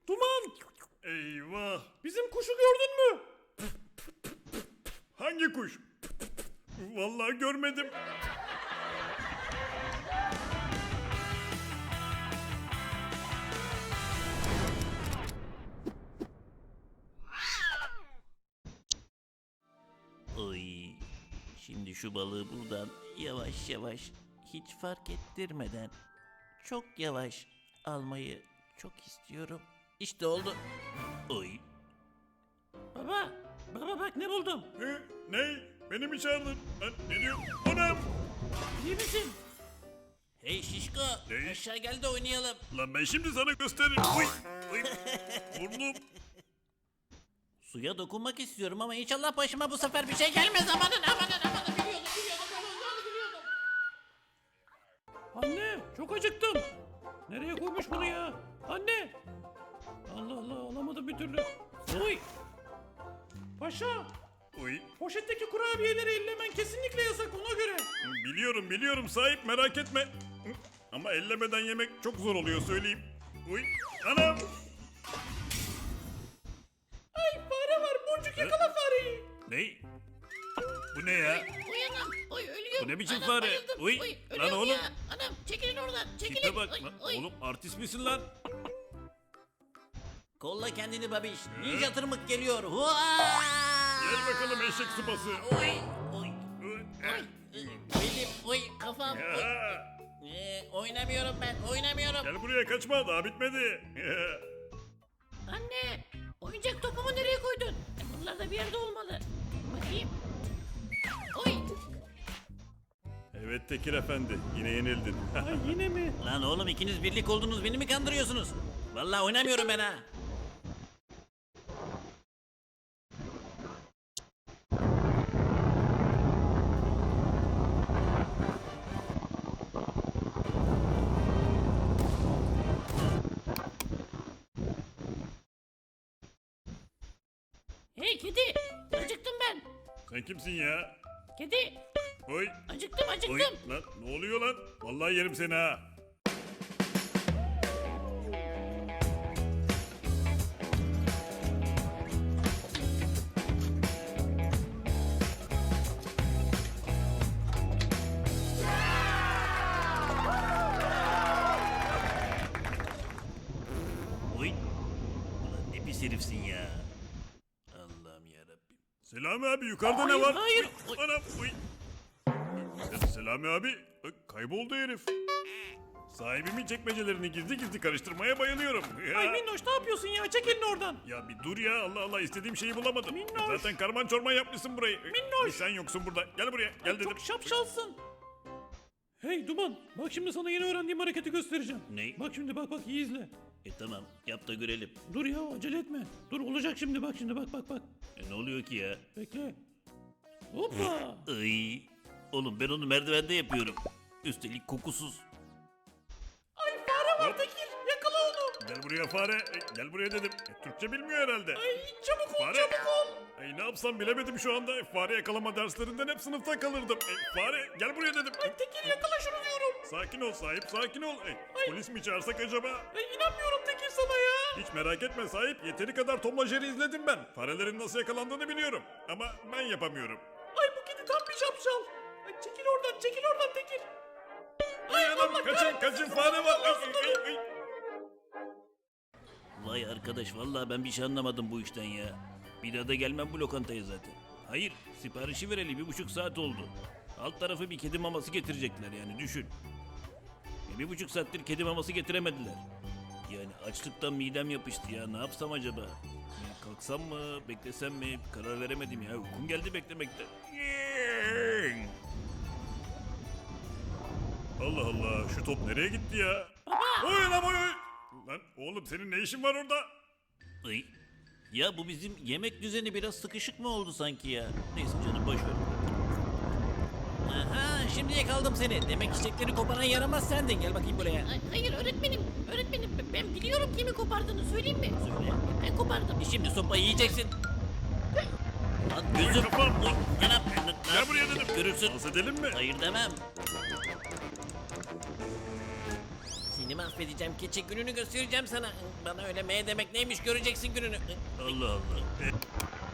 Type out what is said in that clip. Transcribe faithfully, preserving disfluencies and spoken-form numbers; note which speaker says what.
Speaker 1: Duman!
Speaker 2: Eyvah!
Speaker 1: Bizim kuşu gördün mü?
Speaker 2: Hangi kuş? Vallahi görmedim.
Speaker 3: Oy. Şimdi şu balığı buradan yavaş yavaş hiç fark ettirmeden çok yavaş almayı çok istiyorum. İşte oldu. Oy.
Speaker 1: Baba, baba bak ne buldum.
Speaker 2: Ne? Ne? Beni mi çağırdın? Lan ne diyor? Anam!
Speaker 1: İyi misin?
Speaker 3: Hey şişko,
Speaker 2: Ne?
Speaker 3: aşağı gel de oynayalım.
Speaker 2: Lan ben şimdi sana gösteririm. Uy! Uy! Burnum!
Speaker 3: Suya dokunmak istiyorum ama inşallah başıma bu sefer bir şey gelmez. Amanın amanın amanın, biliyordum biliyordum ben olacağını biliyordum.
Speaker 1: Anne, çok acıktım. Nereye koymuş bunu ya? Anne! Allah Allah, alamadım bir türlü. Oy! Paşa,
Speaker 2: Uy!
Speaker 1: poşetteki kurabiyeleri ellemen kesinlikle yasak, ona göre.
Speaker 2: Biliyorum biliyorum sahip, merak etme. Ama ellemeden yemek çok zor oluyor söyleyeyim. Uy! Anam!
Speaker 1: Ay fare var, Boncuk yakala fareyi.
Speaker 2: Ne? Bu ne ya?
Speaker 3: Uyanam. Oy ölüyorum.
Speaker 2: Bu ne biçim
Speaker 3: Anam,
Speaker 2: fare?
Speaker 3: bayıldım.
Speaker 2: Uy,
Speaker 3: Oy,
Speaker 2: lan
Speaker 3: ölüyorum
Speaker 2: oğlum.
Speaker 3: ya. Anam çekilin oradan. Çekilin.
Speaker 2: Tipe bak
Speaker 3: Oy,
Speaker 2: lan.
Speaker 3: oy.
Speaker 2: Oğlum artist misin lan?
Speaker 3: Kolla kendini babiş. Ninja tırmık geliyor. Hua!
Speaker 2: Gel bakalım eşek sıpası.
Speaker 3: Oy oy. Belim oy kafam. Oy.
Speaker 2: Ya,
Speaker 3: Ee, oynamıyorum ben oynamıyorum.
Speaker 2: gel buraya, kaçma, daha bitmedi.
Speaker 3: Anne oyuncak topumu nereye koydun? Bunlar da bir yerde olmalı. Bakayım. Oy.
Speaker 2: Evet Tekir Efendi, yine yenildin.
Speaker 1: Ay yine mi?
Speaker 3: Lan oğlum ikiniz birlik oldunuz, beni mi kandırıyorsunuz? Vallahi oynamıyorum ben ha. Hey kedi, acıktım ben.
Speaker 2: Sen kimsin ya?
Speaker 3: Kedi,
Speaker 2: Oy!
Speaker 3: acıktım acıktım.
Speaker 2: Oy! Lan ne oluyor lan? Vallahi yerim seni ha.
Speaker 3: Oy. Ulan ne pis herifsin ya. Allah'ım yarabbim.
Speaker 2: Selami abi, yukarıda ne
Speaker 3: Hayır,
Speaker 2: var?
Speaker 3: hayır.
Speaker 2: Uy, anam, uy. Selami abi, bak, kayboldu herif. Sahibimin çekmecelerini gizli gizli karıştırmaya bayılıyorum. Ya.
Speaker 1: Ay Minnoş ne yapıyorsun ya? Çek elini oradan.
Speaker 2: Ya bir dur ya, Allah Allah, istediğim şeyi bulamadım.
Speaker 1: Minnoş.
Speaker 2: Zaten karman çorman yapmışsın burayı.
Speaker 1: Minnoş.
Speaker 2: Bir sen yoksun burada. Gel buraya, gel dedim.
Speaker 1: Çok şapşalsın. Hey Duman, bak şimdi sana yeni öğrendiğim hareketi göstereceğim.
Speaker 3: Ne?
Speaker 1: Bak şimdi bak bak iyi izle.
Speaker 3: E tamam yap da görelim.
Speaker 1: Dur ya acele etme. Dur olacak şimdi bak şimdi bak bak bak.
Speaker 3: E ne oluyor ki ya?
Speaker 1: Bekle. Hoppa.
Speaker 3: Ay. Oğlum ben onu merdivende yapıyorum. Üstelik kokusuz.
Speaker 1: Ay fare var Tekir. Yakala onu.
Speaker 2: Gel buraya fare. E, gel buraya dedim. E, Türkçe bilmiyor herhalde.
Speaker 1: Ay çabuk ol
Speaker 2: Fare.
Speaker 1: çabuk ol.
Speaker 2: Ay ne yapsam bilemedim şu anda. E, Fare yakalama derslerinden hep sınıfta kalırdım. E, fare gel buraya dedim.
Speaker 1: Ay Tekir yakala şunu diyorum.
Speaker 2: Sakin ol sahip, sakin ol. E, polis mi çağırsak acaba?
Speaker 1: Ay inanmıyorum Tekir sana ya.
Speaker 2: Hiç merak etme sahip. Yeteri kadar Tom ve Jerry izledim ben. Farelerin nasıl yakalandığını biliyorum. Ama ben yapamıyorum.
Speaker 1: Ay bu kedi tam bir şapşal. Ay çekil oradan çekil oradan Tekir.
Speaker 2: Ay anam,
Speaker 1: Allah
Speaker 2: kaçın
Speaker 1: kahretsin.
Speaker 2: kaçın, fare var. Ay, ay, ay.
Speaker 3: Vay arkadaş vallahi ben bir şey anlamadım bu işten ya. Bir daha da gelmem bu lokantaya zaten. Hayır siparişi vereli bir buçuk saat oldu. Alt tarafı bir kedi maması getirecekler yani düşün. E, bir buçuk saattir kedi maması getiremediler. Yani açlıktan midem yapıştı ya, ne yapsam acaba? Yani kalksam mı beklesem mi karar veremedim ya, uykum geldi beklemekten.
Speaker 2: Allah Allah, şu top nereye gitti ya? Oy lan oy oy. Lan oğlum, senin ne işin var orada?
Speaker 3: Ay. Ya bu bizim yemek düzeni biraz sıkışık mı oldu sanki ya? Neyse canım boş ver. Aha şimdi yakaladım seni. Demek çiçekleri koparan yaramaz sendin. Gel bakayım buraya.
Speaker 4: Ay, hayır öğretmenim. Öğretmenim ben- ben biliyorum kimi kopardığını söyleyeyim mi?
Speaker 3: Söyle.
Speaker 4: Ben kopardım.
Speaker 3: E şimdi sopayı yiyeceksin. Lan gözüm.
Speaker 2: kafam.
Speaker 3: Oy, anam. Ne- ne
Speaker 2: Gel buraya
Speaker 3: yapıyorsun?
Speaker 2: dedim.
Speaker 3: Görürsün.
Speaker 2: Dans edelim mi?
Speaker 3: Hayır demem. Seni
Speaker 4: mahvedeceğim keçi, gününü göstereceğim sana. Bana öyle M demek neymiş göreceksin gününü.
Speaker 3: Allah Allah. E,